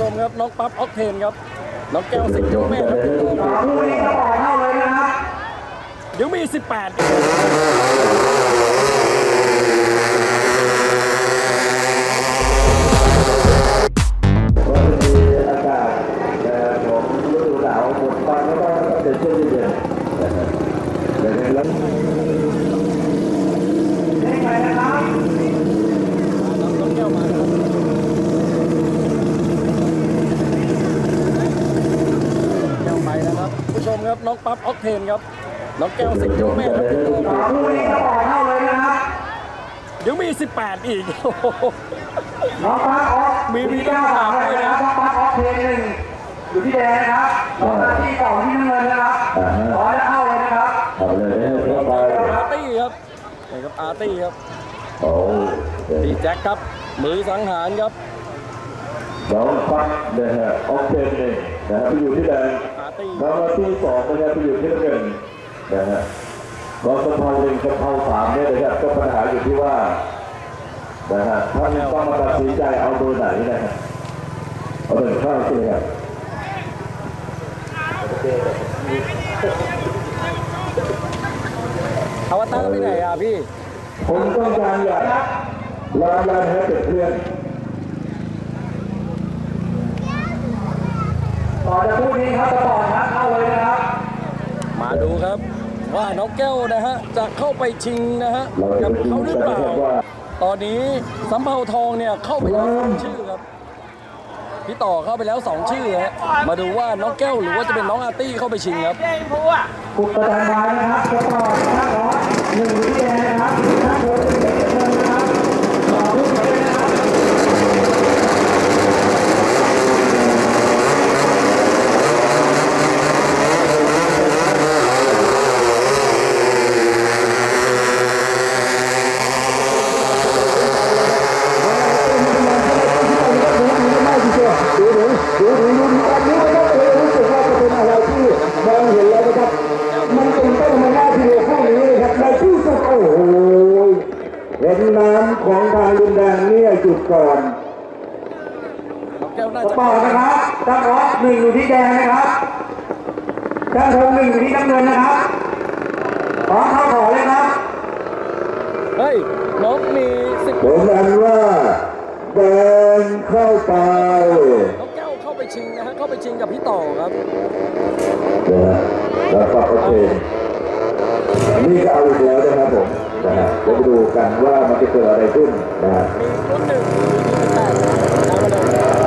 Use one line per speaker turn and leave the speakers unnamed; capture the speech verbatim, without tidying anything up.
มครับน้องปั๊บออกเทนครับน้องแก้วสิงห์เจ้าแม่ครับ
คู่นี้ก็ต่อเข้าเลยนะครับ
เดี๋ยวมีสิบแปด
อากาศของฤดูหนาวหมดฟังแล้วก็จะเช่นเย็นนะครับแต่ในแล้ว
ได้ไปนะครับ
น้องแก้วมาครับแก้วไปนะครับผู้ชมครับน้องปั๊บออกเทนครับน้องแก้วสิงห์เจ้าแม่ครับ
คู่นี้ก็ต่อเข้าเลยนะครับ
เดี๋ยวมีสิบแปดอีก
น้องปั๊กออก
มีมี
เก้าสามเลยนะครับน้องปั๊กออกเพลงหนึ่งอยู่ที่แดงนะครับน้องหน้าที่ต่อที่น้ำเงินนะครับขอจะเข้าเลยนะครับ
ทำเลยเข้าไป
อาร์ตี้ครับนี่ครับอาร์ตี้ครับ
โอ้
ดีแจ็คครับมือสังหารครับ
น้องฟักนะฮะออกเทนหนึ่งนะฮะไปอยู่ที่แดง
อาร์ตี้
น้องมาที่สองนะฮะไปอยู่ที่น้ำเงินนะฮะน้องสะเพาหนึ่งสะเพาสามเนี่ยนะครับก็ปัญหาอยู่ที่ว่านะฮะท่านต้องมาตัดสินใจเอาเบอร์ไหนนะฮะเอาเบอร์ข้างใช่ไหมครับ
อวตารไปไหนอ่ะพี่
ผมต้องการอยากลาลาให้เป็นเพื่อน
ต่อจากคู่นี้ครับจะต่อครับเข้าเลยนะครับ
มาดูครับว่าน้องแก้วนะฮะจะเข้าไปชิงนะฮะ
เราจะ
กับ
ไปดู
เขาหรือ
กัน
เปล่า
นะครับว่า
ตอนนี้สำเภาทองเนี่ยเข้าไปแล้วสองชื่อครับพี่ต่อเข้าไปแล้วสองชื่อฮะมาดูว่าน้องแก้วหรือว่าจะเป็นน้องอาร์ตี้เข้าไปชิงครับ
กุดประธานไว้นะครับจะต่อข้างขอหนึ่งอยู่ที่แดงนะครับข้างโค้งเป็นเงินนะครับต่อคู่นี้เลยนะครับ
ดูดูดูดูดูตอนนี้นะครับเออรู้สึกว่าจะเป็นอะไรที่มองเห็นแล้วนะครับมันเป็นต้นมาหน้าที่พวกนี้นะครับในที่สุดโอ้โหเห็นน้ำของทางลุนแดงเนี่ยหยุดก่อน
น้องแก้วน่า
จะ
จะ
ต่อนะครับตั้งออฟหนึ่งอยู่ที่แดงนะครับตั้งทงหนึ่งอยู่ที่น้ำเงินนะครับพร้อมเข้าขอเลยครับ
เฮ้ยน้องมีสิบ
ผมอันว่าแดงเข้าไป
น้องแก้วเข้าไปชิงนะฮะเข้าไปชิงกับพี่ต่อครับ
นะฮะแล้วก็โอเคนี่ก็เอาอีกแล้วนะครับผมนะฮะเดี๋ยวไปดูกันว่ามันจะเกิดอะไรขึ้นนะฮะ
มีรุ่นหนึ่งมีสิบแปดเอามาเลย